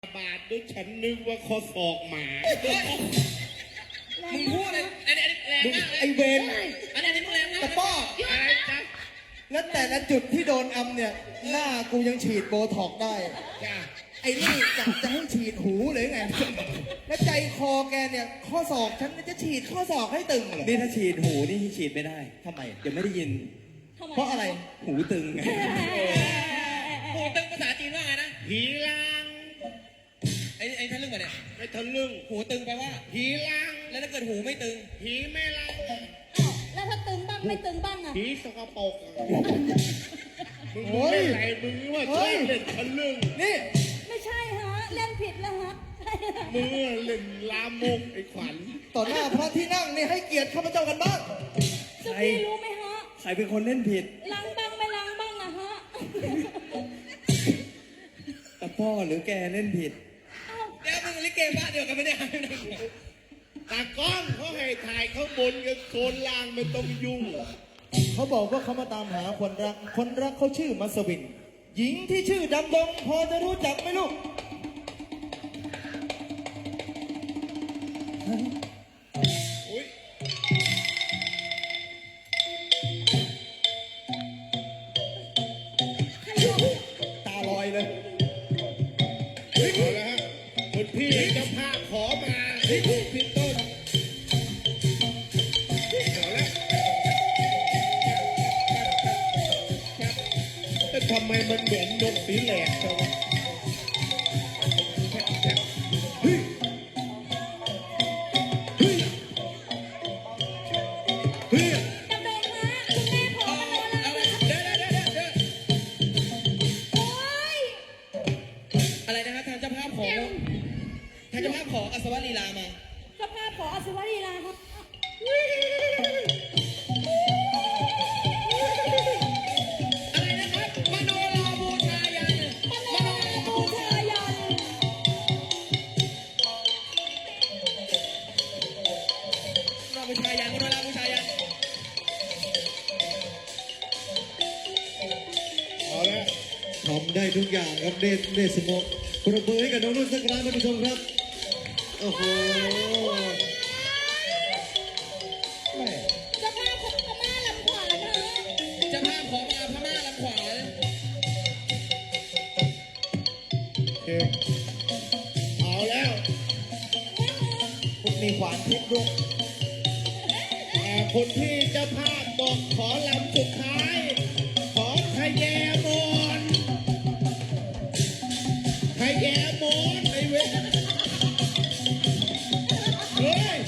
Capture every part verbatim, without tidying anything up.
บาทด้วยฉันนึกว่าคอศอกหมามึงพูดเลยอันนี้แรงมากเลยไอเวนอันนี้มึงแรงมากตะป้ออะไรจ๊ะแล้วแต่ละจุดที่โดนอำเนี่ยหน้ากูยังฉีดโบท็อกได้จ้าไอ้นี่จะจะให้ฉีดหูเลยไง แล้วใจคอแกเนี่ยข้อศอกฉันจะฉีดข้อศอกให้ตึงเหรอนี่ถ้าฉีดหูนี่ฉีดไม่ได้ทำไมเดี๋ยวไม่ได้ยินเพราะอะไรหูตึงไงหูตึงภาษาจีนว่าไงนะผีลางไอ้ไอ้ทะลึ่งอะเนี่ยไม่ทะลึ่งหูตึงแปลว่าผีลางแล้วถ้าเกิดหูไม่ตึงผีไม่ลางอ้าวแล้วถ้าตึงบ้างไม่ตึงบ้างอะผีสกปรกมึงมึงเล่นอะไรมึงว่าชอบเล่นทะลึ่งนี่ไม่ใช่ฮะเล่นผิดแล้วฮะมึงเล่นลามกไอ้ขวัญต่อหน้าพระที่นั่งนี่ให้เกียรติข้าพเจ้ากันบ้างสุพี่รู้ไหมฮะใครเป็นคนเล่นผิดล้างบ้างไม่ล้างบ้างอะฮะตะพ่อหรือแกเล่นผิดเดี๋ยวมึงลิเกบ้านเดียวกันไม่ได้ตากล้องเขาให้ถ่ายข้างบนกับโซนล่างไม่ต้องยุ่งเขาบอกว่าเขามาตามหาคนรัก คนรักเขาชื่อมัสวิน หญิงที่ชื่อดำดงพอจะรู้จักไหมลูกอุ้ยตาลอยเลยเอาละฮะคุณพี่เจ้าภาพขอมาที่ถูกพี่ต้นเอาละแต่ทำไมมันเหมือนนกสีแหลกจังวะเฮ้ยเฮ้ยเฮ้ยดำดงฮะคุณแม่ขอมโนราด้วยค่ะเดี๋ยวเดี๋ยวเดี๋ยวเดี๋ยวโอ๊ยอะไรนะครับทางเจ้าภาพขอทางเจ้าภาพขออัศวลีลามาเจ้าภาพขออสุวรีลาครับอะไรนะครับมโนราบูชายันมโนราบูชายันมโนราบูชายันมโนราบูชายันเอาละทำได้ทุกอย่างครับเดชเดชสมองประเบิดให้กับน้องนุ่นสักครั้งท่านผู้ชมครับ โอ้โหแม่เจ้าภาพของพม่าลำขวานนะฮะเจ้าภาพขอมาพม่าลำขวานโอเคเอาแล้วคุณมีขวานทิพย์ด้วยอ่าคนที่เจ้าภาพบอกขอลำสุดท้าย ขอทะแยมอนทะแยมอนไอ้เว้ยเฮ้ย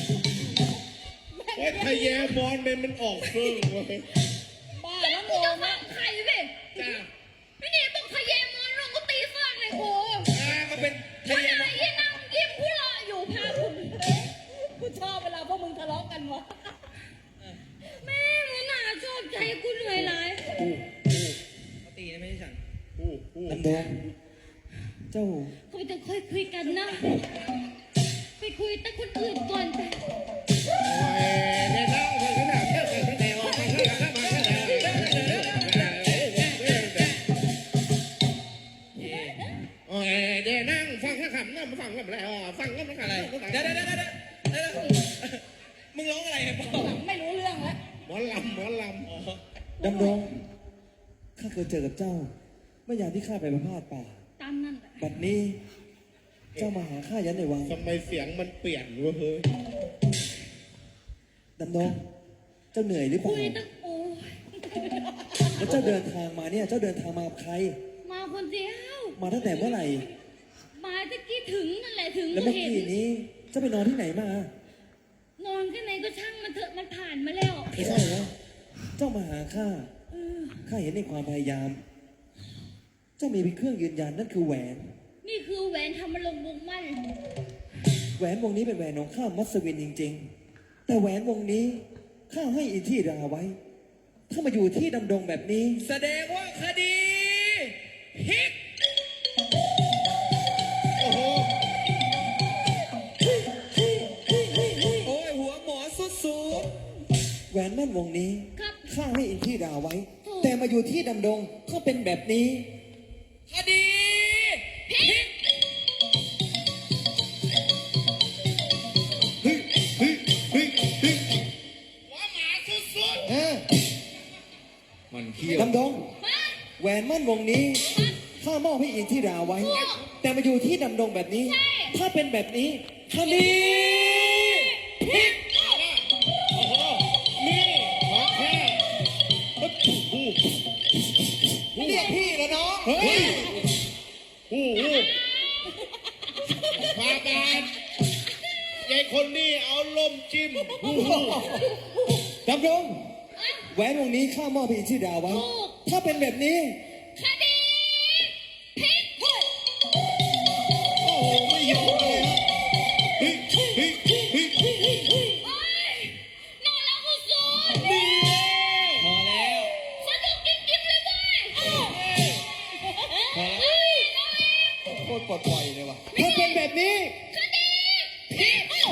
ว่าทะแยมอนมันมันออกเฟิ่งเว้ยบ้าแล้วโง่นะใครสิจ้าพี่นี่บอกขยมมอนลงก็ตีฟากเลยโอ้อ่าก็เป็นทะทำเยไมมยี่นั่งยิ้มหัวเราะอยู่พาคุณกูชอบเวลาพวกมึงทะเลาะกันวะแม่มึงน่าชอบใจกูเหนื่อยหลายอู้อู้เขาตีนะไม่ใช่ฉันอู้อู้ดำดง เจ้าเขาไปต้องค่อยคุยกันนะ ไปคุยแต่คนอื่นก่อนไปโอ้ยเดี๋ยวนะคนขนาดเท่ากันแสดงว่าคนขนาดมาขนาดโอ้ยเดี๋ยวนั่งฟังข้าคำนั่งมาฟังกันแล้วฟังกันมาอะไรอะไรเดี๋ยวเดี๋ยวเดี๋ยวเดี๋ยวเดี๋ยวมึงร้องอะไรเนี่ยพ่อไม่รู้เรื่องแล้วหมอลำหมอลอ๋อดำดง ข้าเคยเจอกับเจ้า เมื่อยามที่ข้าไปประพาสป่าตามนั่นแหละบัดนี้ เจ้ามาหาข้ายันในวังำทำไมเสียงมันเปลี่ยนวะเฮ้ยดำดง เจ้าเหนื่อยหรือเปคุล่ายตั้งโอ้ยแล้วเจ้าเดินทางมาเนี่ย เจ้าเดินทางมากับใครมาคนเดียวมาตั้งแต่เมื่อไหร่มาตะกี้ถึงนั่นแหละถึงแล้วก็เมื่อเห็นกี้นี้ เจ้าไปนอนที่ไหนมานอนที่ไหนก็ช่างมันเถอะมันผ่านมาแล้วไม่ใช่แล้วเจ้ามาหาข้าเออข้าเห็นในความพยายาม เจ้ามีเป็นเครื่องยืนยันนั่นคือแหวนนี่คือแหวนทำมาลงวงมั่นแหวนวงนี้เป็นแหวนของข้ามัสวินจริงๆ แต่แหวนวงนี้ข้าให้อินที่ราไว้ ถ้ามาอยู่ที่ดำดงแบบนี้แสดงว่าคดีพลิกโอ้โหโอ้ยหัวหมอสุดสูงแหวนแม่นวงนี้ครับข้าให้อินที่ราไว้ถูกแต่มาอยู่ที่ดำดงก็เป็นแบบนี้คดีพลิกแหวนมั่นวงนี้ข้ามอบให้อินทิราไว้ แต่มาอยู่ที่ดำดงแบบนี้ ถ้าเป็นแบบนี้คดีผิดโอ้โหนี่ของแท้เรียกพี่แล้วน้องเฮ้ยโอ้โหฟาบาทยายคนนี้เอาลมจิ้มโอ้โหดำดงแหวนวงนี้ข้ามอบให้อินทิราไว้ ถ้าเป็นแบบนี้คดีผิดโอ้โหไม่ยอมเลยฮะเฮ้ยเฮ้ยเฮ้ยโอ๊ยนอนแล้วกูสูนพอแล้วสนุกจริงๆเลยเว้ยเอ้าเฮ้ยน้องเอ็มโคตรปลดปล่อยเลยว่ะถ้าเป็นแบบนี้คดีผิดเอ้า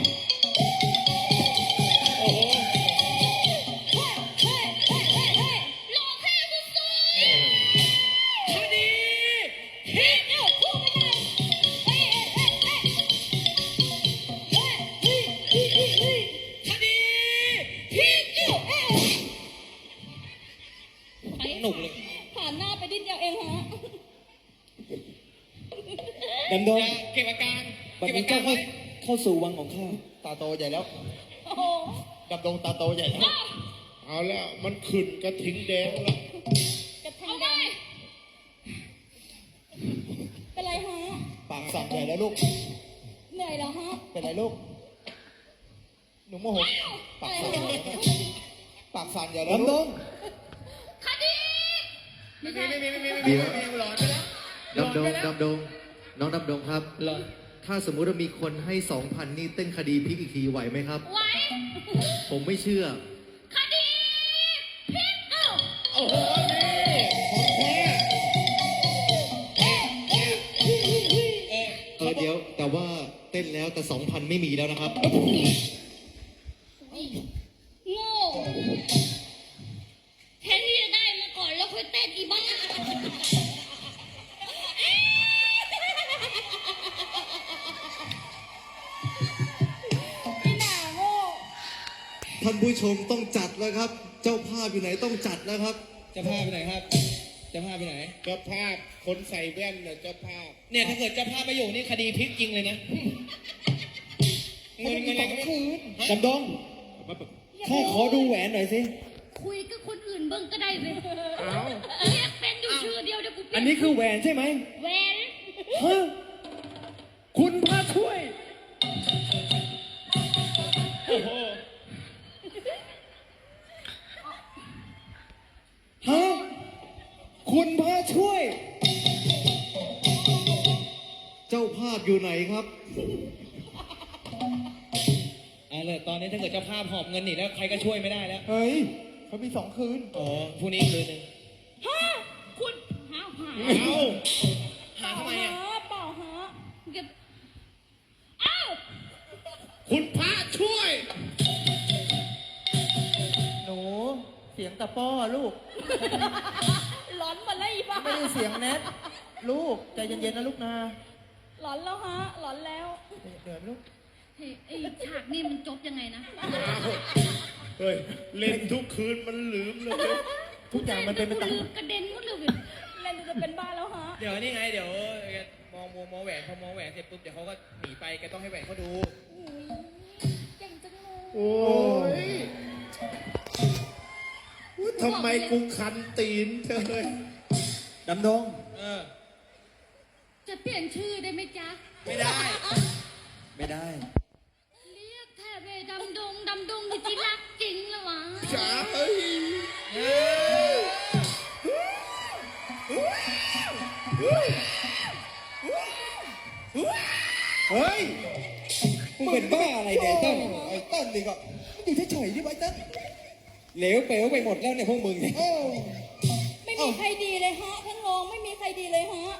โอ้โหเฮ้ยเฮ้ยเฮ้ยเฮ้ยเฮ้ยหลอกให้กูสูนคดีผิดเอ้าพูดไม่ได้เฮ้ยเฮ้ยเฮ้ยเฮ้ยเฮ้ยเฮ้ยเฮ้ยเฮ้ยคดีผิดเอ้าเอ้าหนุกเลยผ่านหน้าไปนิดเดียวเองฮะดำดงอย่าเก็บอาการบัดเก็บนี้อาก็การเข้าไว้เข้าสู่วังของข้าตาโตใหญ่แล้วโอ้โหดำดงตาโตใหญ่แล้วเอาแล้วมันขึ้นกระทิงแดงแล้วกระทิงแดงเป็นไรฮะปากสั่นใหญ่แล้วลูกเหนื่อยเหรอฮะเป็นไรลูก หนูโมโห ปากสั่นใหญ่แล้วนะปากสั่นใหญ่แล้วดำดลูกงคดีไม่ใช่ไม่มีไม่มีไม่มีเดี๋ยวไม่มีหลอนไปแล้วหลอนดำดงไปแล้วดำดงน้องดำดงครับหลอนถ้าสมมุติว่ามีคนให้สองพันนี่เต้นคดีพลิกอีกทีไหวไหมครับไว้ผมไม่เชื่อคดีพิกเอ้าโอ้โหนี่ของแท้เออเดี๋ยวแต่ว่าเต้นแล้วแต่สองพันไม่มีแล้วนะครับโง่แทนที่จะได้มาก่อนแล้วค่อยเต้นอีบ้าอีหน่าโง่ท่านผู้ชมต้องจัดแล้วครับ เจ้าภาพอยู่ไหนต้องจัดแล้วครับจะพาไปไหนครับ จะพาไปไหนเจ้าภาพคนใส่แว่นน่ะเจ้าภาพเนี่ยถ้าเกิดเจะพาไปอยู่นี่คดีพลิกจริงเลยนะเงินเงินอะไรก็ไม่คืนดำดงข้าขอดูแหวนหน่อยสิคุยกับคนอื่นเบิ่งก็ได้เว้ยเรียกเป็นอยู่ชื่อเดียวเดี๋ยวกูเปลี่ยอันนี้คือแหวนใช่ไหมแหวนฮะคุณพระช่วยโอ้โหฮะ คุณพระช่วยเจ้าภาพอยู่ไหนครับอ่าเลยตอนนี้ถ้าเกิดเจ้าภาพหอบเงินหนีแล้วใครก็ช่วยไม่ได้แล้วเฮ้ย เขามีสองคืนอ๋อพรุ่งนี้คืนหนึ่งฮะคุณหาหาเอาหาทำไมอ่ะเปล่าฮะเก็บอ้าวคุณพระช่วยหนู เสียงตะป้อลูกหลอนหมดแล้วอีบ้าไม่ได้เสียงแนทลูก ใจเย็นๆนะลูกนะหลอนแล้วฮะ หลอนแล้วเดี๋ยวลูกเฮ้ยไอ้ฉากนี่มันจบยังไงนะเฮ้ย เล่นทุกคืนมันลืมเลยทุกอย่างมันเป็นไปตามลืมกระเด็นหมดเลยเว้ยเล่นจะเป็นบ้าแล้วฮะเดี๋ยวนี่ไงเดี๋ยวแกมองมองมองแหวนพอมองแหวนเสร็จปุ๊บเดี๋ยวเขาก็หนีไปแกต้องให้แหวนเขาดูอุ๊ยเก่งจังเลยโอ้ยอุ๊ยทำไมกูคันตีนเธอเลยดำดงเออจะเปลี่ยนชื่อได้ไหมจ๊ะไม่ได้ไม่ได้เรียกแทบเลยดำดงดำดงนี่ที่รักจริงแล้ววะจ๋าเฮ้ยเฮ้ยมึงเป็นบ้าอะไรเนี่ยไอ้เต้นไอ้เต้นนี่ก็อยู่เฉยๆดิไอ้เต้นเหลวเป๋วไปหมดแล้วเนี่ยพวกมึงเนี่ยเออไม่มีใครดีเลยฮะทั้งรองไม่มีใครดีเลยฮะ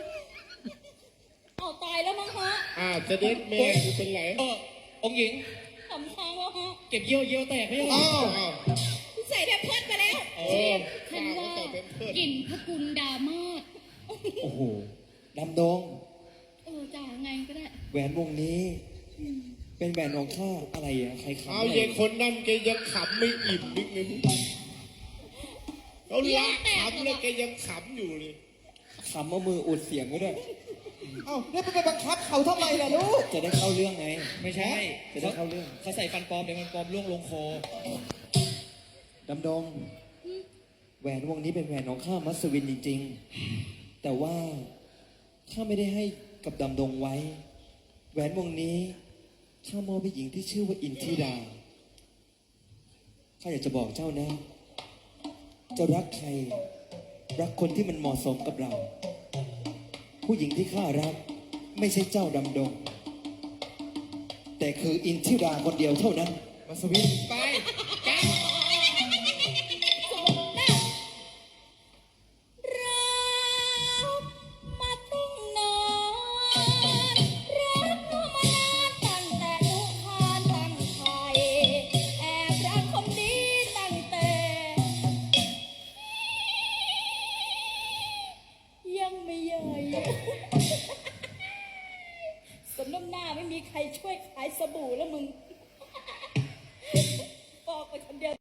เอาตายแล้วมั้งฮะอ่าจะเด็ดแม่กูเป็นไรเออองค์หญิงสำคัญแล้วฮะเก็บเยี่ยวเยี่ยวแตกไม่ใช่เหรออ้าวอ้าวใส่แพมเพิร์ดมาแล้วเออฉันว่าใส่เป็นเพื่อนกลิ่นพระกุลดามาศโอ้โห ดำดงเออจ่าไงก็ได้แหวนวงนี้ เป็นแหวนของข้าอะไรอะใครขำเอาอะไรเยายคนนั่นแกยังขำไม่อิ่มนิดนึงโอ้เขารักขำแล้วแกยังขำอยู่เลยขำเอามืออุดเสียงไว้ด้วยเอ้าแล้วไปบังคับเขาทำไมล่ะลูกจะได้เข้าเรื่องไงไม่ใช่จะได้เข้าเรื่องเขาใส่ฟันปลอมเดี๋ยวมันปลอมล่วงลงคอดำดง แหวนวงนี้เป็นแหวนของข้ามัสวินจริงๆ แต่ว่าข้าไม่ได้ให้กับดำดงไว้ แหวนวงนี้ข้ามอบให้หญิงที่ชื่อว่าอินทิราข้าอยากจะบอกเจ้านะ เจ้ารักใคร รักคนที่มันเหมาะสมกับเรา ผู้หญิงที่ข้ารักไม่ใช่เจ้าดำดง แต่คืออินทิราคนเดียวเท่านั้นมัสวินไปแกรักมาตั้งนานรักมานานตั้งแต่นุคานตั้งไทยแอบรักคนนี้ตั้งแต่ยังไม่ใหญ่สมน้ำหน้าไม่มีใครช่วยขายสบู่แล้วมึง